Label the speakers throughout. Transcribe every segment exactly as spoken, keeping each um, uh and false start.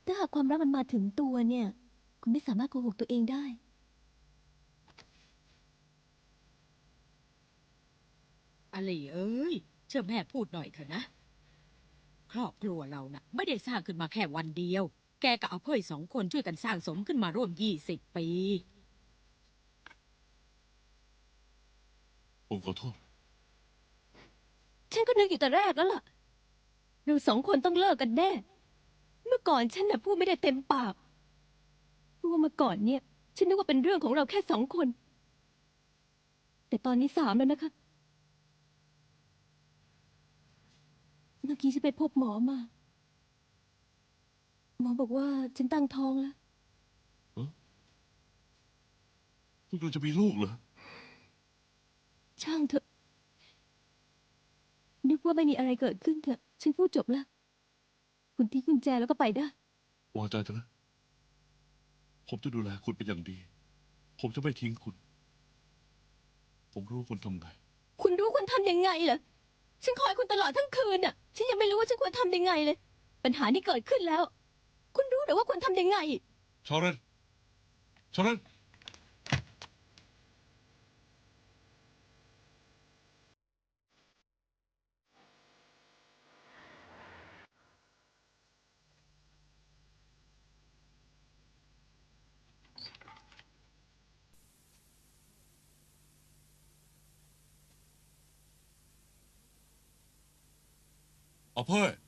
Speaker 1: ถ้าหากความรักมันมาถึงตัวเนี่ย คุณไม่สามารถโกหกตัวเองได้
Speaker 2: อลีเอ้ยเชื่อแม่พูดหน่อยเถอะนะครอบครัวเรานะ่ะไม่ได้สร้างขึ้นมาแค่วันเดียวแกกับอาเพ่ยสองคนช่วยกันสร้างสมขึ้นมาร่วมยี่สิบปี
Speaker 3: ผมขอโทษ
Speaker 1: ฉันก็นึกอยู่แต่แรกแล้วล่ะเราสองคนต้องเลิกกันแน่ เมื่อก่อนฉันน่ะพูดไม่ได้เต็มปากเพราะว่าเมื่อก่อนเนี่ย ฉันนึกว่าเป็นเรื่องของเราแค่สองคน แต่ตอนนี้สามแล้วนะคะ เมื่อกี้ฉันไปพบหมอมา หมอบอกว่าฉันตั้งท้องแล้ว
Speaker 3: คุณกำลังจะมีลูกเหรอ
Speaker 1: ช่างเถอะ นึกว่าไม่มีอะไรเกิดขึ้นเถอะ ฉันพูดจบแล้ว คุณทิ้งกุญแจแล้วก็ไปได้
Speaker 3: วางใจเถอะนะ ผมจะดูแลคุณเป็นอย่างดี ผมจะไม่ทิ้งคุณ ผมรู้คุณทำไง
Speaker 1: คุณรู้คุณทำยังไงเหรอ ฉันคอยคุณตลอดทั้งคืนน่ะ ฉันยังไม่รู้ว่าฉันควรทำยังไงเลย ปัญหาที่เกิดขึ้นแล้ว คุณรู้หรือว่าควรทำยังไง
Speaker 3: ชอเรนชอเรนเอาเพ่ย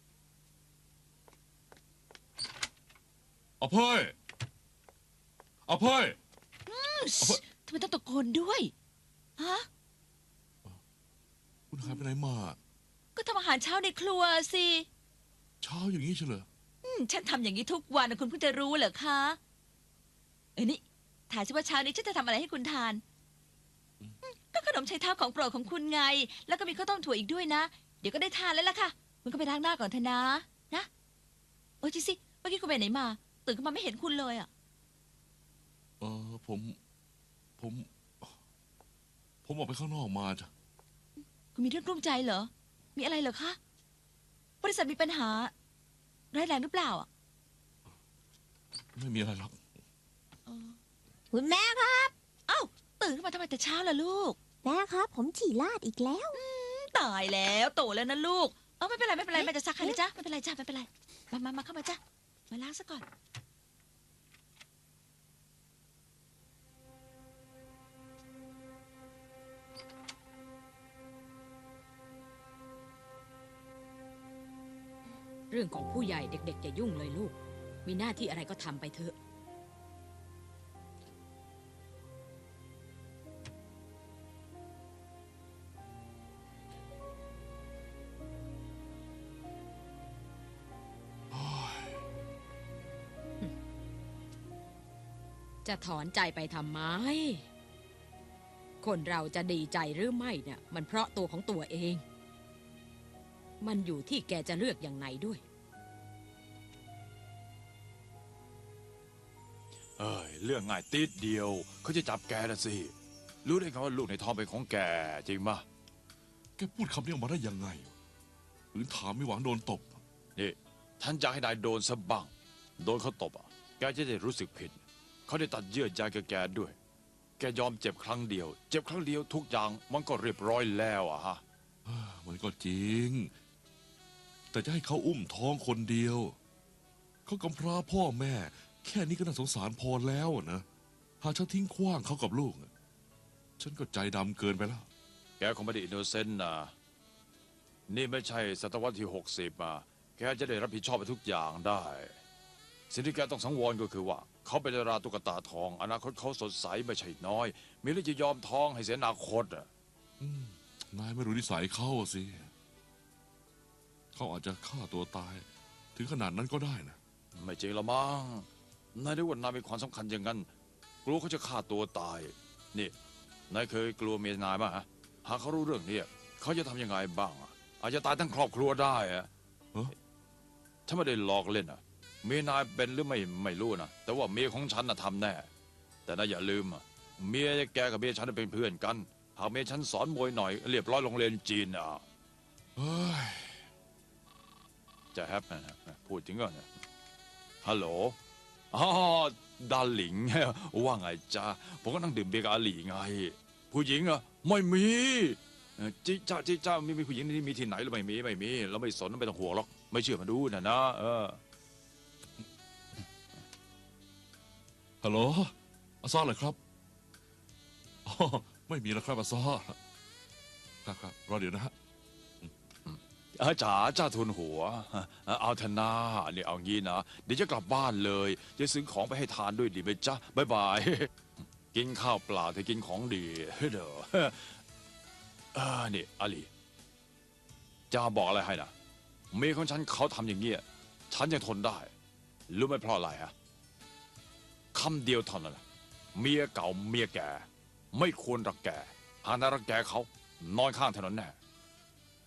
Speaker 3: เอาเพ่ยเอาเพ่ยเอาเพ่ย
Speaker 4: ทำไมต้องตะโกนด้วยฮะ
Speaker 3: คุณหายไปไหนมา
Speaker 4: ก็ทำอาหารเช้าในครัวสิ
Speaker 3: เช้าอย่างนี้เฉลย
Speaker 4: อืมฉันทำอย่างนี้ทุกวันนะคุณเพิ่งจะรู้เหรอคะเอ้ยนี่ถามสิว่าเช้านี้ฉันจะทำอะไรให้คุณทานอืมก็ขนมไชเท้าของโปรดของคุณไง แล้วก็มีข้าวต้มถั่วอีกด้วยนะ เดี๋ยวก็ได้ทานแล้วล่ะค่ะ คุณก็ไปล้างหน้าก่อนเถอะนะ นะโอ้ยจิสิเมื่อกี้คุณไปไหนมา ตื่นขึ้นมาไม่เห็นคุณเลยอ่ะ
Speaker 3: เออผม ผม ผมออกไปข้างนอกมาจ้ะ
Speaker 4: คุณมีเรื่องกลุ้มใจเหรอ มีอะไรเหรอคะ บริษัทมีปัญหาร้ายแรงหรือเปล่าอ่ะ
Speaker 3: ไม่มีอะไรหรอก
Speaker 5: คุณแม่ครับ
Speaker 4: เอ้าตื่นขึ้นมาทำไมแต่เช้าล่ะลูก
Speaker 5: แม่ครับ ผมฉี่ลาดอีกแล้ว
Speaker 4: ตายแล้วโตแล้วนะลูก เออไม่เป็นไรไม่เป็นไรแม่จะซักให้นะจ๊ะไม่เป็นไรจ้ะไม่เป็นไรมามามาเข้ามาจ้ะมาล้างซะก่อน
Speaker 2: เรื่องของผู้ใหญ่เด็กๆอย่ายุ่งเลยลูก มีหน้าที่อะไรก็ทำไปเถอะจะถอนใจไปทำไม คนเราจะดีใจหรือไม่เนี่ยมันเพราะตัวของตัวเอง มันอยู่ที่แกจะเลือกอย่างไหนด้วย
Speaker 6: เอ้ยเรื่องง่ายติดเดียวเขาจะจับแกนะสิรู้ได้ไงว่าลูกในท้องเป็นของแกจริงมะ
Speaker 3: แกพูดคำนี้ออกมาได้ยังไงหรือถามไม่หวังโดนตบ
Speaker 6: นี่ท่านจะให้นายโดนซะบ้างโดนเขาตบอ่ะแกจะได้รู้สึกผิดเขาได้ตัดเยื่อใยกับแกด้วย แกยอมเจ็บครั้งเดียว เจ็บครั้งเดียวทุกอย่างมันก็เรียบร้อยแล้วอะฮะ
Speaker 3: มันก็จริง แต่จะให้เขาอุ้มท้องคนเดียว เขากำพร้าพ่อแม่ แค่นี้ก็น่าสงสารพอแล้วนะหากฉันทิ้งขว้างเขากับลูก ฉันก็ใจดำเกินไปแล้ว
Speaker 6: แกคงไม่ได้อินโนเซนต์นะนี่ไม่ใช่ศตวรรษที่หกสิบอ่ะแกจะได้รับผิดชอบไปทุกอย่างได้สิ่งที่แกต้องสังวรก็คือว่า เขาเป็นดาราตุ๊กตาทองอนาคตเขาสดใสไม่ใช่น้อย มีเรื่องจะยอมท้องให้เสียอนาคตอ่ะ
Speaker 3: นายไม่รู้นิสัยเขาสิ เขาอาจจะฆ่าตัวตาย ถึงขนาดนั้นก็ได้นะ
Speaker 6: ไม่จริงละมั้งนายได้ว่านายมีความสำคัญอย่างนั้น กลัวเขาจะฆ่าตัวตาย นี่นายเคยกลัวเมียนายมั้ยฮะหากเขารู้เรื่องนี้เขาจะทำยังไงบ้างอะอาจจะตายทั้งครอบครัวได้อะฉันไม่ได้หลอกเล่นอะเมียนายเป็นหรือไม่ไม่รู้นะแต่ว่าเมียของฉันน่ะทำแน่แต่นายอย่าลืมอะเมียแกกับเมียฉันเป็นเพื่อนกันหากเมียฉันสอนมวยหน่อยเรียบร้อยโรงเรียนจีนอ่ะ
Speaker 3: เฮ้ย
Speaker 6: จะแฮปนะพูดจริงเหรอเนี่ย
Speaker 3: ฮ
Speaker 6: ฮัลโหลอ๋อดาหลิง ว่าไงจ๊ะผมก็นั่งดื่มเบียร์กับอาหลีไง ผู้หญิงเหรอะไม่มีเอ่อจิจ้าจิจ้าไม่มีผู้หญิงที่มีที่ไหนหรือไม่มีไม่มีเราไม่สนไม่ต้องห่วงหรอกไม่เชื่อมาดูนะนะเออ
Speaker 3: ฮัลโหลอาซาเหรอครับอ๋อไม่มีแล้วครับอาซาครับครับรอเดี๋ยวนะฮะ
Speaker 6: อาจ๋าจ้าทุนหัวเอาเถอะนาเนี่ยเอางี้นะเดี๋ยวจะกลับบ้านเลยจะซื้อของไปให้ทานด้วยดีไหมจ๊ะบ๊ายบาย กินข้าวเปล่าแต่กินของดีเด้อเออนี่อาลีจะบอกอะไรให้นะเมียของฉันเขาทำอย่างเงี้ยฉันยังทนได้รู้ไหมเพราะอะไรฮะคำเดียวเท่านั้นแหละเมียเก่าเมียแก่ไม่ควรรักแกหากนายรักแกเขานอนข้างถนนแน่